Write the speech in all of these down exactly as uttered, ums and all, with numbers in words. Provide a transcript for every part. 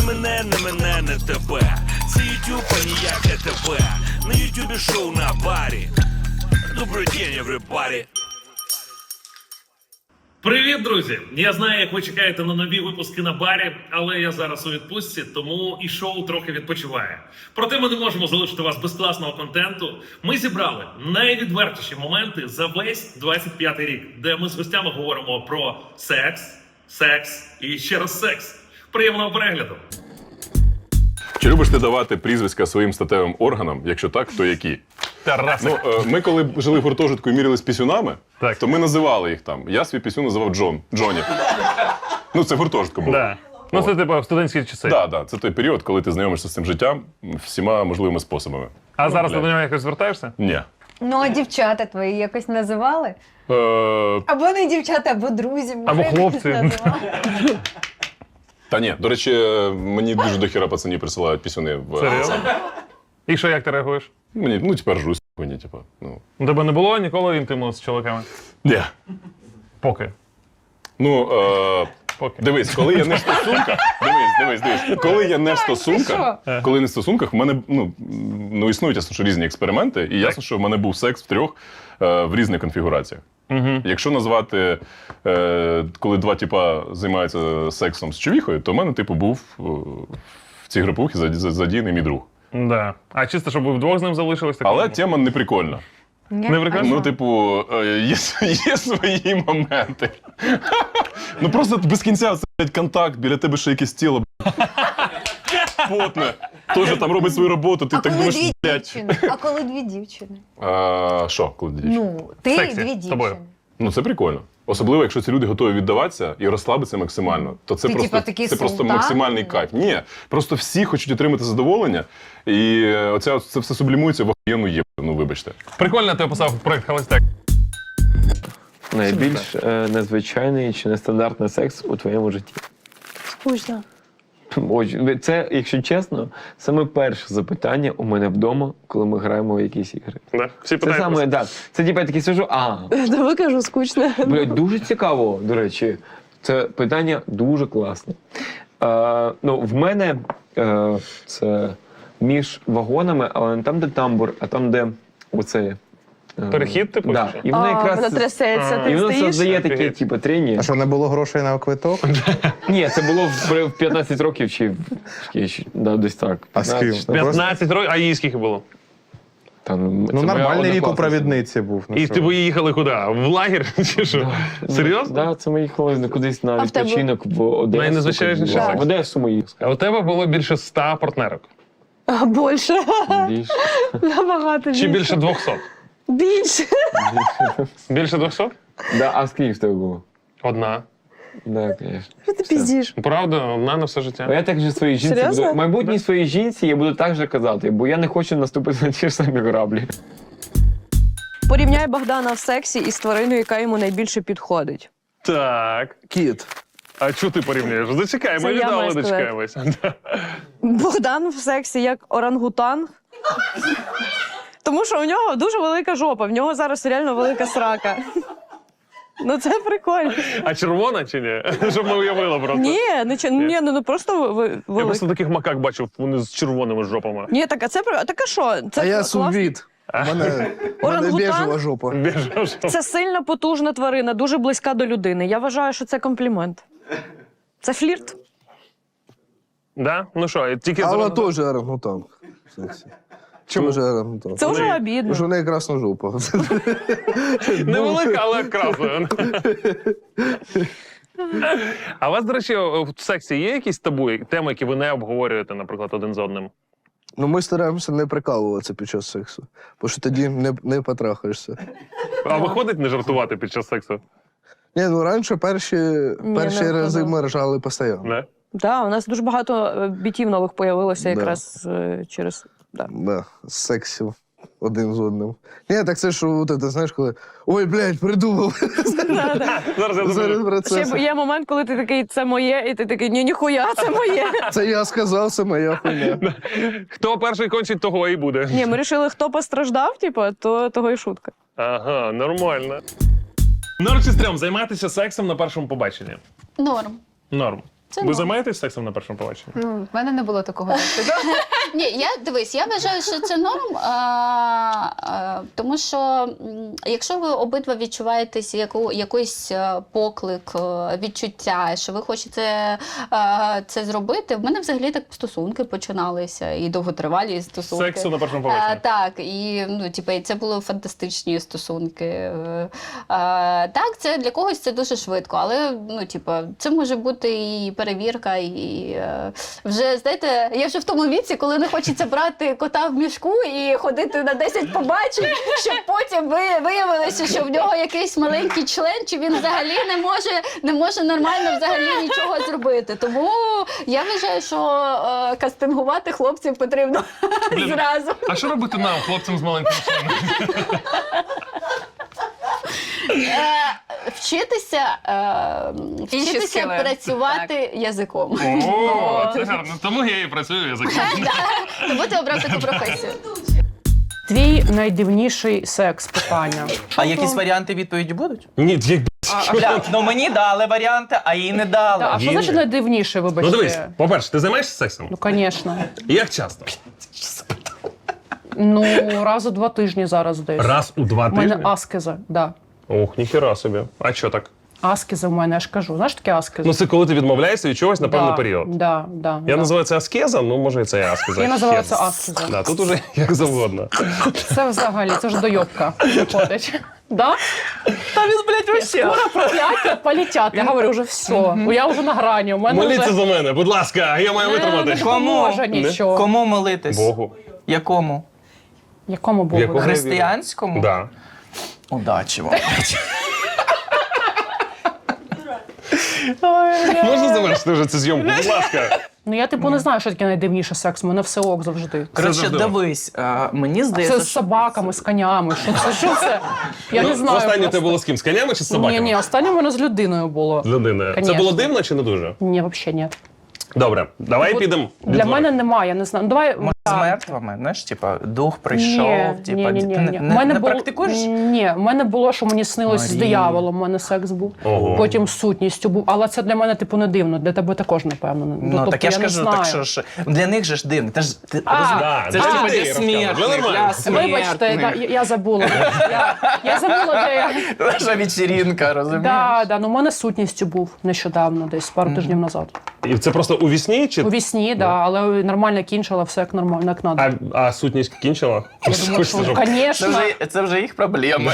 мене, не мене, не тебе. Це ютуб, а ніяк не тебе. На ютубі шоу на барі. Добрий день, everybody. Привіт, друзі! Я знаю, як ви чекаєте на нові випуски на барі, але я зараз у відпустці, тому і шоу трохи відпочиває. Проте ми не можемо залишити вас без класного контенту. Ми зібрали найвідвертіші моменти за весь двадцять п'ятий рік, де ми з гостями говоримо про секс, секс і ще раз секс. Приємного перегляду! Чи любиш ти давати прізвиська своїм статевим органам? Якщо так, то які? Тарасик. Ну, е, ми коли жили в гуртожитку і міряли з пісюнами, Так. то ми називали їх там. Я свій пісюн називав Джон, Джоні. Ну, це в гуртожитку було. Да. Ну, це типу в студентські часи. Так, да, да. Це той період, коли ти знайомишся з цим життям всіма можливими способами. А зараз ти Бля. до нього якось звертаєшся? Ні. Ну, а дівчата твої якось називали? Е, Або не дівчата, або друзі. може, Або якось хлопці. називали. та ні, до речі, мені дуже дохіра пацанів присилають пісюни в... Серйозно? І що, як ти реагуєш? Мені, ну, тепер ржусь, хуйні, типу. Ну. У тебе не було ніколи інтиму з чоловіками? Ні. Поки. Ну, е, Поки. дивись, коли я не в стосунках, дивись, дивись, дивись, коли я не в стосунках, коли не в стосунках, в мене, ну, ну, існують, ясно, що різні експерименти, і ясно, що в мене був секс в трьох е, в різних конфігураціях. Угу. Якщо назвати, е, коли два типа займаються сексом з човіхою, то в мене, типу, був е, в цій групухі задіяний мій друг. Да. А чисто, щоб ви вдвох з ним залишились? Так Але тема не прикольна. Ні? Не прикольно? Ну, типу, е, є, є свої моменти. Ну просто без кінця це блядь, контакт, біля тебе ще якесь тіло блядь, потне. Теж там робить свою роботу, ти А так коли думаєш, дві блядь. дівчини? А коли дві дівчини? А, Що, коли дві дівчини? Ну, ти Сексі, дві з тобою. дівчини. Ну це прикольно. Особливо, якщо ці люди готові віддаватися і розслабитися максимально, то це Ти, просто, типа, такий це просто султан? максимальний кайф. Ні, просто всі хочуть отримати задоволення, і е, оця, це все сублімується в охуєнну єбу, ну вибачте. Прикольно ти описав проект Холостяк. Найбільш е, незвичайний чи нестандартний секс у твоєму житті? Скучно. Ой, це, якщо чесно, саме перше запитання у мене вдома, коли ми граємо в якісь ігри. Да. Всі Це саме, так. Це типу я такий сижу, а, Да викажу, скучно. блядь, дуже цікаво, до речі. Це питання дуже класне. Е, ну, в мене е, це між вагонами, але не там, де тамбур, а там, де оце. е, Перехід, типу, Да. чи що? І воно А, якраз вона трясеться, і ти воно стоїш. создає такі, Офігеть. типу, трені. А що, не було грошей на квиток? Ні, це було в в п'ятнадцять років чи в- чи ще- да, десь так. А з ким? п'ятнадцять, Ну, просто- п'ятнадцять років, а їй скільки було? Та, ну, Ну, це моя нормальний вік у однокласниця. провідниці був. ну І що? ти ви їхали куди? В лагер? Чи що? Серйозно? Так, да, це ми їхали кудись на А в тебе? відпочинок в Одесу. Найнезвичайніший Да, секс. в Одесу ми їхали. А у тебе було більше ста партнерок? А, більше. Більше. Набагато більше. Чи більше двохсот? Більше. Більше двохсот? Да, а скільки в тебе було? Одна. Да, звісно. Що ти піздиш? Правда, одна на все А життя. я так же своїй жінці Серйозно? буду, майбутній своїй жінці я буду так же казати, бо я не хочу наступити на ті ж самі граблі. Порівняй Богдана в сексі із твариною, яка йому найбільше підходить. Так. Кіт. А чого ти порівнюєш? Зачекай, Це ми я віддали, маю сказати. дочекаємося. Богдан в сексі як орангутанг. Тому що у нього дуже велика жопа, в нього зараз реально велика срака. Ну це прикольно. А червона чи ні? Щоб ми уявили просто. Ні, не, чи- ні, ну, ну просто ви- Я велика. просто таких макак бачив, вони з червоними жопами. Ні, так а це при- так а що? Це А я клас- субвід. У мене, у мене Орангутан? біжева жопа. Біжав, що- Це сильна, потужна тварина, дуже близька до людини. Я вважаю, що це комплімент. Це флірт. Да? Ну що, і тільки Але зараз- теж орангутанг. в сенсі. Чому? Теж орангутанг. Це вже Тому обідно. що в неї красна жопа. Невелика, але красна. А у вас, до речі, в сексі є якісь табу, теми, які ви не обговорюєте, наприклад, один з одним? Ну ми стараємося не прикалуватися під час сексу, бо що тоді не, не потрахаєшся. А виходить не жартувати під час сексу? Ні, ну раніше перші, Ні, перші не рази виходило. ми ржали постійно. Не? Так, у нас дуже багато е, бітів нових появилося Да. якраз е, через. Да. Да, з сексів один з одним. Ні, так це ж, от, ти знаєш, коли ой, блядь, придумав. Зараз я Зараз зроблю. процес. Ще є момент, коли ти такий, це моє, і ти такий, ні, ніхуя, це моє. Це я сказав, це моя хуйня. Хто перший кончить, того і буде. Ні, ми вирішили, хто постраждав, типу, то того і шутка. Ага, нормально. Норм чи стрьом займатися сексом на першому побаченні? Норм. Норм. Це Ви норм. займаєтесь сексом на першому побаченні? Ну, в мене не було такого досвіду. Ні, я дивись, я вважаю, що це норм, а, а, тому що м, якщо ви обидва відчуваєтесь яку, якийсь е, поклик, е, відчуття, що ви хочете е, це зробити, в мене взагалі так стосунки починалися і довготривалі стосунки. Сексу на першому А, побаченні? так, і ну, типу, і це були фантастичні стосунки. Е, а, так, це для когось це дуже швидко, але ну, типу, це може бути і перевірка, і е, вже знаєте, я вже в тому віці, коли не хочеться брати кота в мішку і ходити на десять побачень, щоб потім ви виявилося, що в нього якийсь маленький член, чи він взагалі не може, не може нормально взагалі нічого зробити. Тому я вважаю, що е, кастингувати хлопців потрібно зразу. А що робити нам, хлопцям з маленьким членом? Е, Вчитися, е, вчитися скіли. працювати язиком. О, це гарно. Тому я і працюю язиком. Да. Тому ти обрав таку професію. Твій найдивніший секс питання. А якісь варіанти відповіді будуть? Ні, як Бля, ну мені дали варіанти, а їй не дали. А що значить найдивніший, вибачте? Ну дивись, по-перше, ти займаєшся сексом? Ну, звісно. І як часто? Ну, раз у два тижні зараз десь. Раз у два У мене тижні? аскеза, да. Ох, ніхера собі. А що так? Аскеза в мене, я ж кажу. Знаєш таке аскеза? Ну це коли ти відмовляєшся від чогось на певний да, період. Да, да, Я да. називаю це аскеза, ну може і це і аскеза. Я називаю Хер. це аскеза. Да, тут уже як завгодно. Це взагалі, це ж дойобка виходить. Да? Та він, блядь, вообще. Скоро прокляття полетять. Я говорю, вже все. Я вже на грані. У мене Моліться вже за мене, будь ласка, я маю не витримати. допоможе нічого. Кому молитись? Богу. Якому? Якому Богу? Якому? Християнському? Да. Удачі вам. Можна завершити вже цю зйомку, будь ласка. Ну я типу не знаю, що таке найдивніший секс. У мене все ок завжди. Коротше, завжди. дивись, а, мені здається, Це з собаками, з конями. Що це? Що це? Я Ну, не знаю. Останнє просто. тебе було з ким? З конями чи з собаками? Ні, ні, останнє в мене з людиною було. З людиною. Це Конечно. було дивно чи не дуже? Ні, взагалі ні. Добре, давай От підемо. Для мене немає, я не знаю. Ну, давай. може, з так. мертвими, знаєш, типа, дух прийшов, Ні, типа, ні, ні, ти ні, не, ні. не, В мене не було- практикуєш? Ні, в мене було, що мені снилось з Марія. дияволом, у мене секс був. Ого. Потім з сутністю був. Але це для мене, типу, не дивно. Для тебе також, напевно. Ну, тобто, так я ж не кажу, знаю. так що ж, для них же ж дивно. Ти ж, ти, А, розумієш? Да, це ж для типа людей для розказуй. Вже смертних, нормально. для Вибачте, да, я, я забула. Я, я забула, де я. Наша вечеринка, розумієш? Да, да, ну, у мене з сутністю був нещодавно, десь пару тижнів назад. І це просто у вісні чи У вісні, да, але нормально кінчила, все як нормально, як надо. а, а сутність кінчила? Я думаю, що, Це звісно. вже, це вже їх проблеми.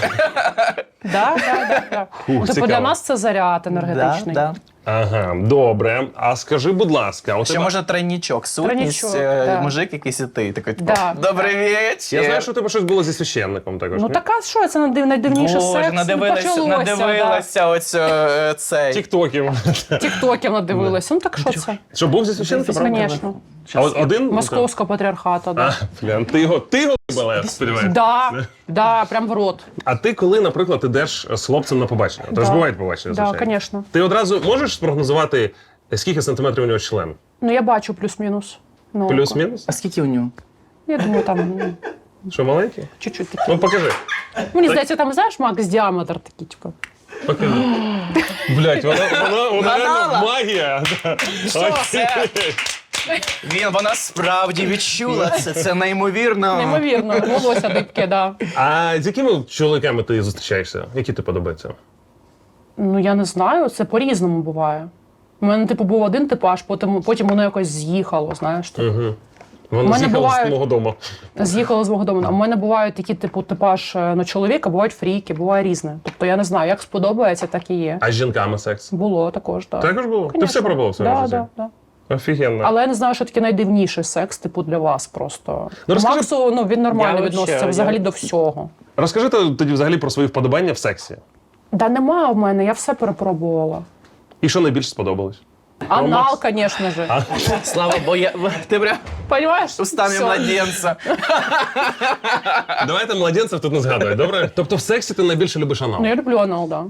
Да, да, да, да. Тобто для цікаво. нас це заряд Да, енергетичний. да. Ага, добре. А скажи, будь ласка, у Ще тебе... може тройнічок, сутність, Тройнічок, е, да. мужик якийсь і ти. Такий, типу, Да, добрий вечір. Я знаю, що у тебе щось було зі священником також. Ну ні? така що, це найдив- найдивніше Боже, секс. надивилася, почалося, надивилася ось е, цей. Тіктоків. Да. Тіктоків надивилася. Ну так що це? Що, був зі священником? Звісно. А от один? Московського патріархату, А, да. блін, ти його, ти його вибила, я сподіваюся. Да, да, прям в рот. А ти коли, наприклад, ідеш з хлопцем на побачення? Тож Да. бувають побачення, Да, звичайно. звісно. Ти одразу можеш спрогнозувати, скільки сантиметрів у нього член? Ну я бачу плюс-мінус. на око. Плюс-мінус? А скільки у нього? Я думаю, там ну, Що, маленький? чуть-чуть Ну, такі. покажи. Мені здається, там, знаєш, Макс, діаметр такий, типу. Покажи. Блять, вона, вона, вона реально Гадала? магія. це? Він, вона справді відчула це, це неймовірно. Неймовірно, волосся дибке, да. А з якими чоловіками ти зустрічаєшся? Які ти подобаються? Ну я не знаю, це по-різному буває. У мене, типу, був один типаж, потім, потім воно якось з'їхало, знаєш. Типу. Угу. Вона мене з'їхала бувають- з мого дому. З'їхало з мого дому. У мене бувають такі, типу, типаж е, на чоловіка, бувають фріки, буває різне. Тобто я не знаю, як сподобається, так і є. А з жінками секс? Було також, так. Також було? Ти все пробував в своєму да, житті? да, да. Офігенно. Але я не знаю, що таке найдивніший секс, типу, для вас просто. Ну, розкажи- Максу, ну, він нормально Я відноситься вообще- взагалі я- до всього. Розкажи тоді взагалі про свої вподобання в сексі. Да нема в мене, я все перепробувала. І що найбільше сподобалось? Анал, звісно же. Слава Богу, я, ти прям Понимаєш? устами Всё. младенця. Давайте младенців тут не згадуй, добре? Тобто в сексі ти найбільше любиш анал? Ну, я люблю анал, да.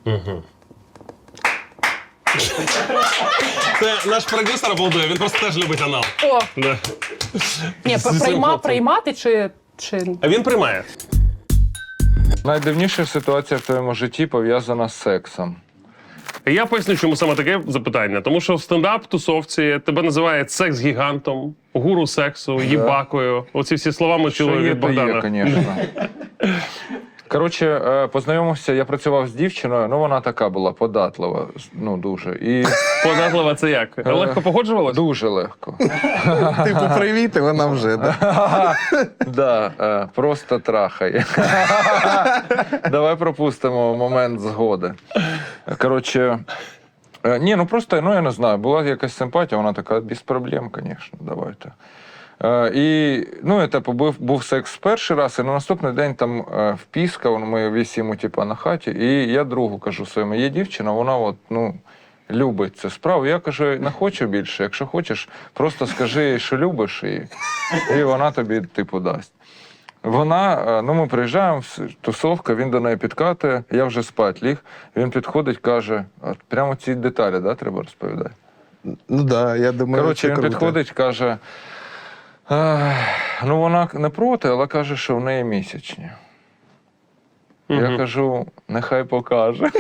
Це наш продюсер аплодує, він просто теж любить анал. О, Да. ні, З цим прийма, хлопцем. приймати чи, чи... А він приймає. Найдивніша ситуація в твоєму житті пов'язана з сексом. Я поясню, чому саме таке запитання. Тому що в стендап-тусовці тебе називають секс-гігантом, гуру сексу, їбакою. Оці всі слова ми чули Що є, від то є, Богдана. звісно. Коротше, е, познайомився, я працював з дівчиною, ну вона така була податлива, ну дуже. І Податлива це як? Е, Легко погоджувалась? дуже легко. Типу, привіт, і вона вже, да? Да, е, просто трахай. Давай пропустимо момент згоди. Коротше, е, ні, ну просто, ну я не знаю, була якась симпатія, вона така, без проблем, звісно, давайте. Е, і, ну, я, типу, був, був секс перший раз, і на наступний день там е, в Піска, ми висімо, типу, на хаті, і я другу кажу своєму, є дівчина, вона от, ну, любить цю справу. Я кажу, не хочу більше, якщо хочеш, просто скажи їй, що любиш її, і вона тобі, типу, дасть. Вона, е, ну, ми приїжджаємо, тусовка, він до неї підкатує, я вже спать ліг, він підходить, каже, от прямо ці деталі, да, треба розповідати? Ну да, я думаю, Коротше, це він круто. підходить, каже, «Ах, ну вона не проти, але каже, що в неї місячні. Я кажу, нехай покаже.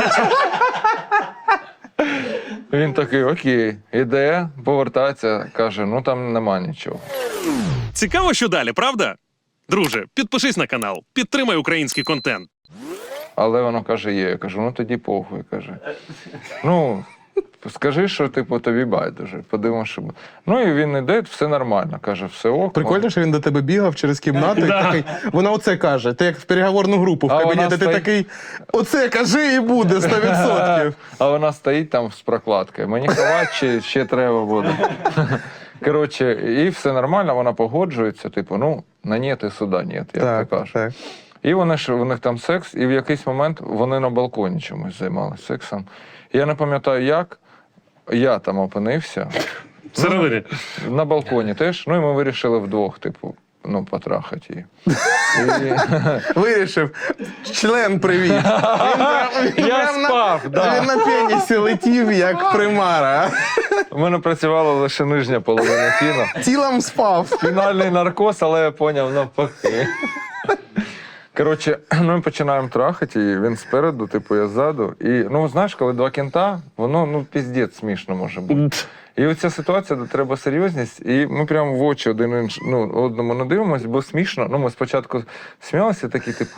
Він такий, окей, іде, повертається, каже, ну там нема нічого. Цікаво, що далі, правда? Друже, підпишись на канал, підтримай український контент. Але воно каже, є. Я кажу, ну тоді похуй, каже. Ну, скажи, що типу тобі байдуже. Подивимося, що. Ну і він іде, все нормально. Каже, все ок. Прикольно, що він до тебе бігав через кімнату і такий, вона оце каже. Ти як в переговорну групу в А вона кабінеті, ти стоїть- такий, оце кажи і буде, сто відсотків. А вона стоїть там з прокладкою. Мені ховати чи ще треба буде. Коротше, і все нормально, вона погоджується, типу, ну, на ні, ти сюди, ні, як ти Так, кажеш. так. І вони ж, у них там секс, і в якийсь момент вони на балконі чомусь займалися сексом. Я не пам'ятаю, як я там опинився. Всередині. На балконі теж. Ну і ми вирішили вдвох, типу, ну, потрахати її. І... Вирішив, член привіт. Він прям- він Я прям на- спав, да. Він на пенісі летів, як примара. У мене працювала лише нижня половина тіла. Тілом спав. Фінальний наркоз, але я поняв навпаки. Коротше, ну ми починаємо трахати, і він спереду, типу, я ззаду. І, ну, знаєш, коли два кінта, воно, ну, піздець смішно може бути. І оця ситуація, де треба серйозність, і ми прямо в очі один інш, ну, одному не дивимося, бо смішно. Ну, ми спочатку сміялися, такі, типу,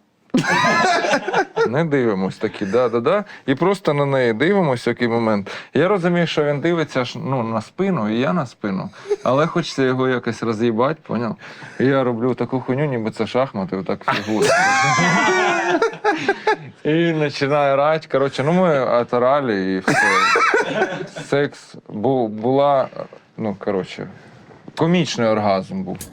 не дивимось такі, да-да-да. І просто на неї дивимося в який момент. Я розумію, що він дивиться ж, ну, на спину, і я на спину. Але хочеться його якось роз'їбати, поняв? І я роблю таку хуйню, ніби це шахмати, отак фігури. І починаю рати. Коротше, ну ми оторали і все. Секс бу, була, ну, коротше, комічний оргазм був.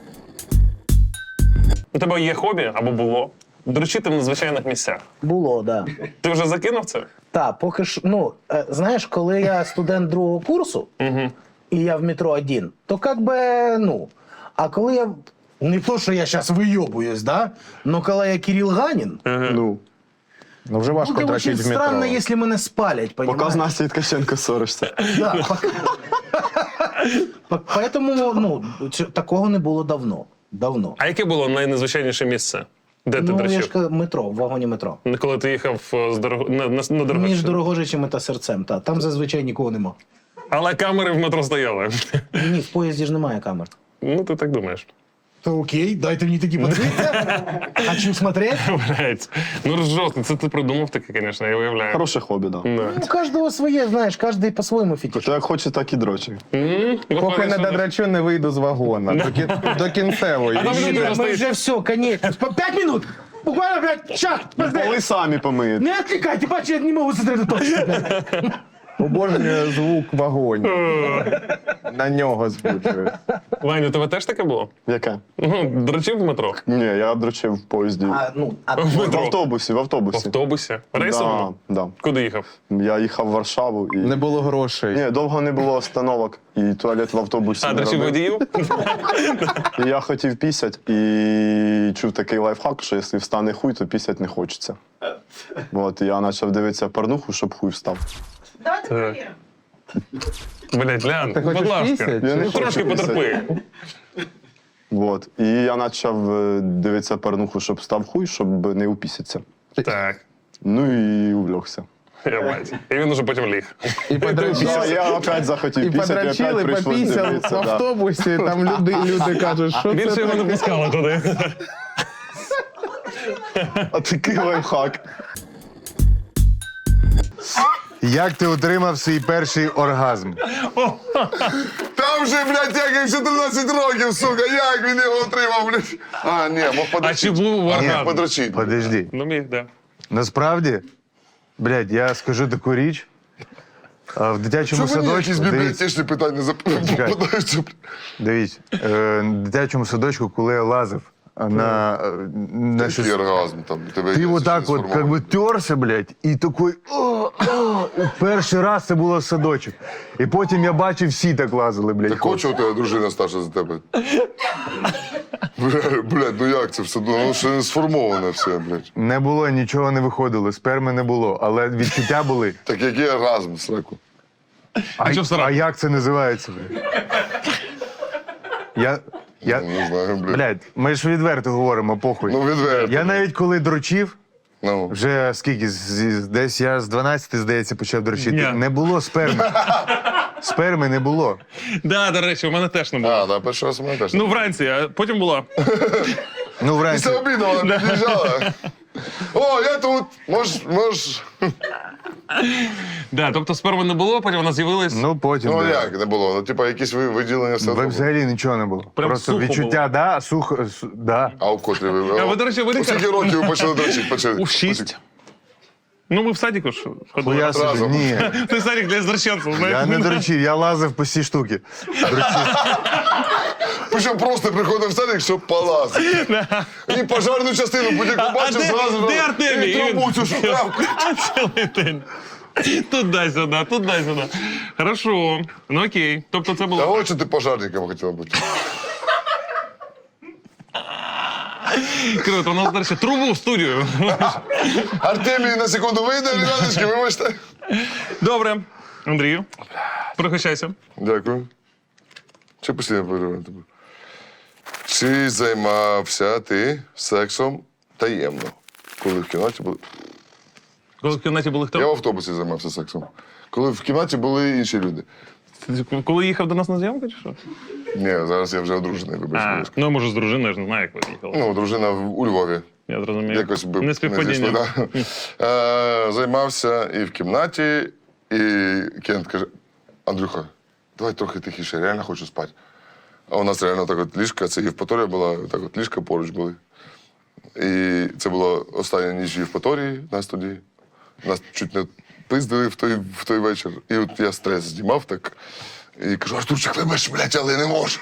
У тебе є хобі або було? Дрочити в надзвичайних місцях. Було, так. Да. Ти вже закинув це? Так, поки що, ну, е, знаєш, коли я студент другого курсу, і я в метро один, то як би, ну, а коли я, не то, що я зараз вийобуюсь, да, но коли я Кирил Ганін, Ну. Ну вже важко буде дуже дрочити в метро. странно, якщо мене спалять, понимаешь? Поки з Настю Ткаченко ссоришся. Да, пока- По- Поэтому, ну, ц- такого не було давно. Давно. А яке було найнезвичайніше місце? Де ти Ну, я ж дрочив? кажу, метро, в вагоні метро. Коли ти їхав е, з дорог... на, на, на Між Дорогобиччину? Дорогожичем та серцем, та. Там зазвичай нікого нема. Але камери в метро стояли. Ні, в поїзді ж немає камер. Ну, ти так думаєш. То окей, дайте мені такі подивитися. Хочу смотреть. Блять. Ну, жорстко, це ти придумав таке, звісно, я уявляю. Хороше хобі, да. Да. У кожного своє, знаєш, кожен по-своєму фетиш. То як хоче, так і дрочить. М, Поки виходить, не що- додрачу, не вийду з вагона. До, кі- до кінцевої. А там Ні, люди ні. вже Ми стоять. вже все, конець. П'ять минут. Буквально п'ять. Щас, подожди. Коли самі помиють. Не відкликайте, бачу, я не можу сосредоточитися. Обожнює звук вагонів. На нього збуджує. Ваня, у тебе теж таке було? Яке? Ну, дрочив в метро? Ні, я дрочив в поїзді. А, ну, а В В метро? автобусі, в В автобусі. автобусі? Рейсовому? Да, да. Куди їхав? Я їхав в Варшаву і. Не було грошей. Ні, довго не було остановок, і туалет в автобусі. А, не дрочив робив. водіїв? І я хотів пісять, і чув такий лайфхак, що якщо встане хуй, то пісять не хочеться. От, і я почав дивитися порнуху, щоб хуй встав. Так. Блять, Лян, Ти будь хочеш ласка. пісять? Я не Ну, хочу трошки пісять. потерпи. От. І я почав е, дивитися порнуху, щоб став хуй, щоб не упісятися. Так. Ну і увлекся. Я бачу. І він уже потім ліг. І Да, подрочили, я опять захотів і пісять, і подрочили, опять прийшлось попісяли в дивитися. Да. автобусі, там люди, люди кажуть, що Більше це його не таке? пускали туди. А такий лайфхак. Як ти отримав свій перший оргазм? Там же, блядь, як їм чотирнадцять років, сука, як він його отримав, блядь? А, ні, мог А чи подрочити. був Ні, оргазм? подрочити. Подожди. Ну, міг, да. Насправді, блядь, я скажу таку річ. А в дитячому Чому мені садочку. якісь Дивіться, бібліотечні питання зап- Чекай. попадаються, блядь? дивіться, е, в дитячому садочку, коли я лазив на, е, на Який щось. оргазм там, у тебе Ти є вот так щось вот как бы терся, блядь, і такий, о, о, і перший раз це було в садочок. І потім я бачив, всі так лазили, блядь. Так хоче у тебе дружина старша за тебе? Бля, блядь, ну як це все? Ну воно ще не сформоване все, блядь. Не було, нічого не виходило, сперми не було, але відчуття були. Так який оргазм, Среку? А, що в сраку? а як це називається, блядь? Я, я, Не знаю, блядь. блядь, ми ж відверто говоримо, похуй. Ну відверто. Я навіть коли дрочив, Ну. вже скільки, з- з- десь я з дванадцяти, здається, почав дрочити. Ні. Не було сперми. Сперми не було. Да, до речі, у мене теж не було. А, да, перший раз у мене теж. Ну, вранці, а потім була. Ну, вранці. Після обіду вона під'їжджала. О, я тут, можеш, можеш. Да, тобто сперми не було, потім вона з'явилась. Ну, потім. Ну да. як не було? Ну, типа, якісь ви- виділення все одно. Взагалі нічого не було. Прям Просто сухо відчуття, да, сухо, су- да. А у котрі ви? А ви, до речі, ви не У скільки кажете? років ви почали дрочити? Почали? У шість. Ну, ми в садіку ж ходили. Хуя собі, разом. ні. Ти садик для зрощенців, знаєш? Я не дрочив, я лазив по всі штуки. Дрочив. Причому просто приходив в садик, щоб полазити. І пожарну частину будь-яку А бачив, де- зразу. де Артемій? І трубу цю шукав. А цілий день. Туди-сюди, туди-сюди. Хорошо. Ну окей. Тобто це Та було. от що ти пожарником хотіла бути. Круто, у нас далі трубу в студію. Артемій на секунду вийде, ребяточки, вибачте. Добре. Андрію, пригощайся. Дякую. Чи постійно переживаю тебе? Чи займався ти сексом таємно, коли в кімнаті були. Коли в кімнаті були Я хто? в автобусі займався сексом. Коли в кімнаті були інші люди. Коли їхав до нас на зйомку, чи що? Ні, зараз я вже одружений, вибач, А, будь ласка. ну, може, з дружиною, я ж не знаю, як ви їхали. Ну, дружина в- у Львові. Я зрозумів. Якось би Не зійшли, співпадіння. да. Е, Займався і в кімнаті, і Кент каже: Андрюха, давай трохи тихіше, я реально хочу спати. А у нас реально так от ліжка, це Євпаторія була, так от ліжка поруч були. І це була остання ніч в Євпаторії нас тоді. Нас чуть не пиздили в той, в той вечір. І от я стрес знімав так. І кажу: Артурчик, вибач, блядь, але я не можу.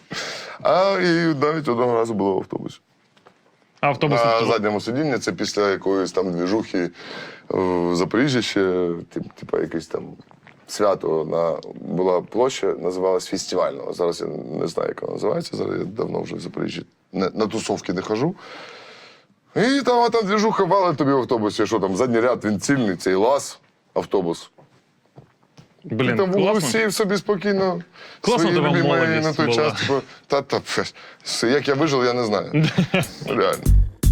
А і навіть одного разу було в автобусі. А автобус На не задньому сидінні, це після якоїсь там двіжухи в Запоріжжі ще, тип, типа якесь там свято на була площа, називалась Фестивального. Зараз я не знаю, як вона називається. Зараз я давно вже в Запоріжжі не, на тусовки не хожу. І там, а там двіжуха валить тобі в автобусі, що там задній ряд, він цільний, цей лаз, автобус. Блін, І там класно. сів собі спокійно. Класно свої у тебе любимі молодість на той була. час. Типу, та, та, пф, як я вижив, я не знаю. Реально.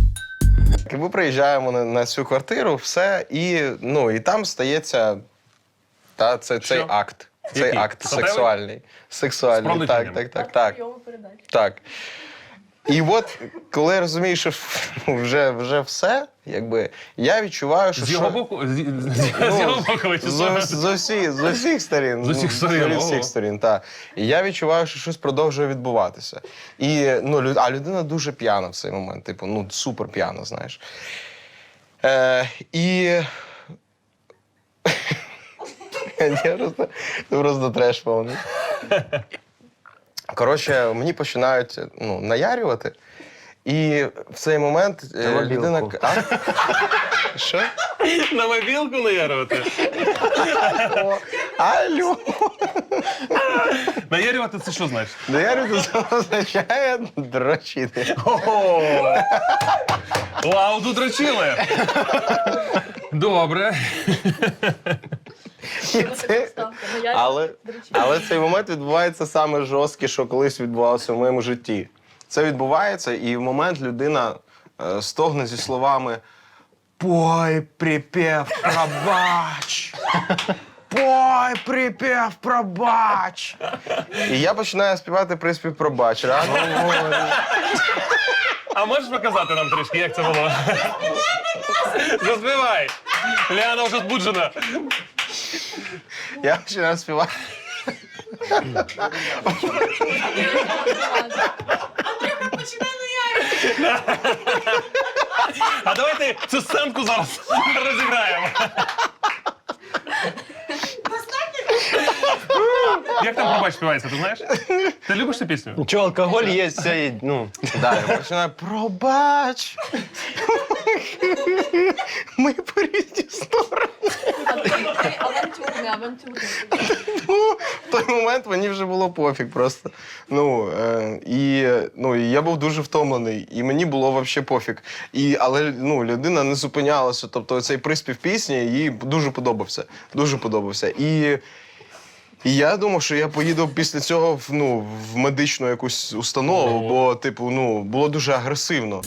Ми приїжджаємо на, на цю квартиру, все, і, ну, і там стається та, це, цей акт. Цей Який? акт Статевий? сексуальний. Сексуальний, З так, проникненням? так, так, так. Так. І от, коли я розумію, що ну, вже, вже все, якби, я відчуваю, що... З його що- боку, з, з, Ну, з його боку, ви чи з, що? з, з, усіх, з усіх сторін. З усіх Ну, сторін, З ого. усіх сторін, так. І я відчуваю, що щось продовжує відбуватися. І, ну, лю- а людина дуже п'яна в цей момент, типу, ну, супер п'яна, знаєш. Е, і... Я просто, це просто треш повний. Коротше, мені починають ну, наярювати. І в цей момент е, людина... к- А? Що? На мобілку наярювати? О, алло! Наярювати це що значить? Наярювати це означає дрочити. Ого! Вау, тут дрочили! Добре. І це... Але, але цей момент відбувається саме жорстке, що колись відбувалося в моєму житті. Це відбувається, і в момент людина е, стогне зі словами: Пой, припев, пробач. Пой, припев, пробач. І я починаю співати приспів пробач. Реально. А можеш показати нам трішки, як це було? Заспівай! Ліана вже збуджена. Я починаю співати. А давайте цю сценку зараз розіграємо. Як там пробач співається, ти знаєш? Ти любиш цю пісню? Нічого, алкоголь є, все є, ну. Да, я починаю пробач. Ми по різні сторони. Авантюрний, авантюрний. Ну, в той момент мені вже було пофіг просто. Ну, е, і, ну, і я був дуже втомлений, і мені було взагалі пофіг. І, але ну, людина не зупинялася. Тобто цей приспів пісні їй дуже подобався. Дуже подобався. І, і я думав, що я поїду після цього в, ну, в медичну якусь установу, бо, типу, ну, було дуже агресивно.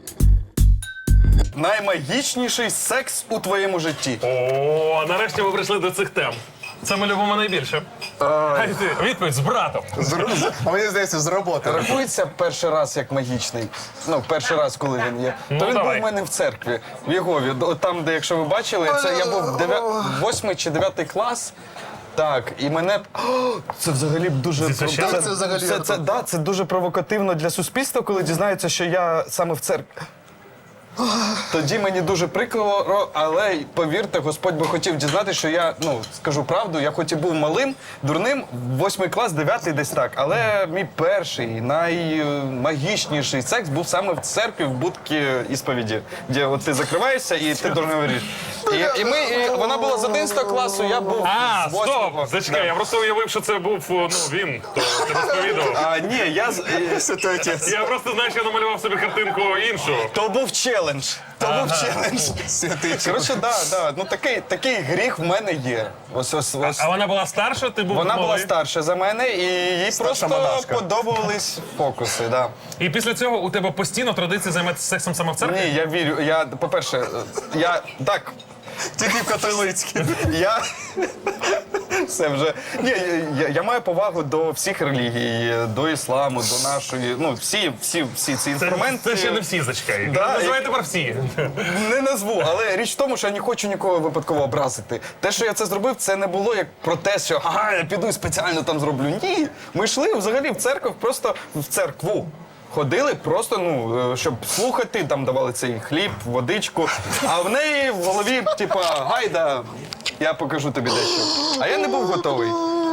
Наймагічніший секс у твоєму житті. О, нарешті ви прийшли до цих тем. Це ми любимо найбільше. Хай ти, відповідь з братом. А мені здається, з роботи. Рахується перший раз як магічний. Ну, перший раз, коли він є. Ну, То він давай. був у мене в церкві, в Єгові. До- Там, де, якщо ви бачили, це я був дев'я- восьмий чи дев'ятий клас. Так, і мене. О, це взагалі б дуже Зі священником? це, Це взагалі це, це, да, це дуже провокативно для суспільства, коли дізнається, що я саме в церкві. Тоді мені дуже прикро, але повірте, Господь би хотів дізнатися, що я, ну, скажу правду, я хоч і був малим, дурним, восьмий клас, дев'ятий десь так, але мій перший, наймагічніший секс був саме в церкві, в будці ісповіді, де от ти закриваєшся і ти дуже говориш. І, і ми, і вона була з одинадцятого класу, я був А, з восьмого. стоп! Зачекай, Да. я просто уявив, що це був, ну, він, хто тебе сповідував. А, ні, я з- е, Святой Отець. Я просто, знаєш, я намалював собі картинку іншу. То був челендж. То був челендж. Коротше, да, да. Ну такий, такий гріх в мене є. Ось ось ось. А вона була старша, ти був Вона була малий? старша за мене, і їй просто монашка. подобались фокуси. Да. І після цього у тебе постійно традиція займатися сексом саме в церкві? Ні, я вірю. Я, по-перше, я так. Тільки в католицькій. Я. Все вже. Ні, я, я маю повагу до всіх релігій, до ісламу, до нашої. Ну, всі, всі, всі ці Це, інструменти. це ще не всі, зачекай. Да, Називай і- тепер всі. Не назву, але річ в тому, що я не хочу нікого випадково образити. Те, що я це зробив, це не було як про те, що ага, я піду і спеціально там зроблю. Ні. Ми йшли взагалі в церкву, просто в церкву. Ходили просто, ну, е, щоб слухати, там давали цей хліб, водичку. А в неї в голові, типа, гайда, я покажу тобі дещо. А я не був готовий.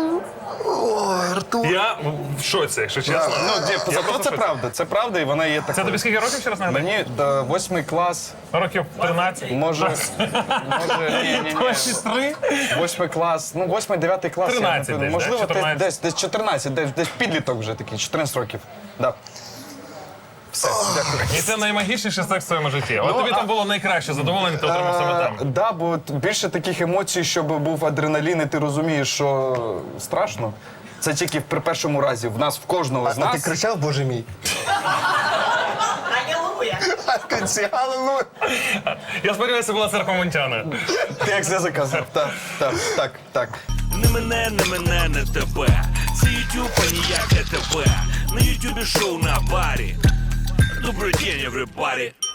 Я в шоці, якщо чесно. Ну, ні, Я зато просто це в шоці. правда, це правда, і вона є така. Це тобі скільки років, ще раз нагадай? Мені да, восьмий клас. Років тринадцять? Може, може, ні, ні, ні. двадцять три? Восьмий клас, ну восьмий, дев'ятий клас. я не тринадцять пам'ятаю. десь, Можливо, да? чотирнадцять? десь, десь чотирнадцять, десь, десь підліток вже такий, чотирнадцять років. Да. Все, дякую. І це наймагічніший секс в твоєму житті. От Ну, тобі а- там було найкраще задоволення, ти отримав саме Е, там. Да, бо от більше таких емоцій, щоб був адреналін, і ти розумієш, що страшно. Це тільки при першому разі. В нас в кожного з нас. А ти кричав, Боже мій? В кінці, алелуя. Я сподіваюся, це була церква Монтяна. Ти як сльози казав. Так, так, так, так. Не мене, не мене, не тебе. Це YouTube, а ніяке тебе. На ютубі шоу на барі. Добрий день, everybody.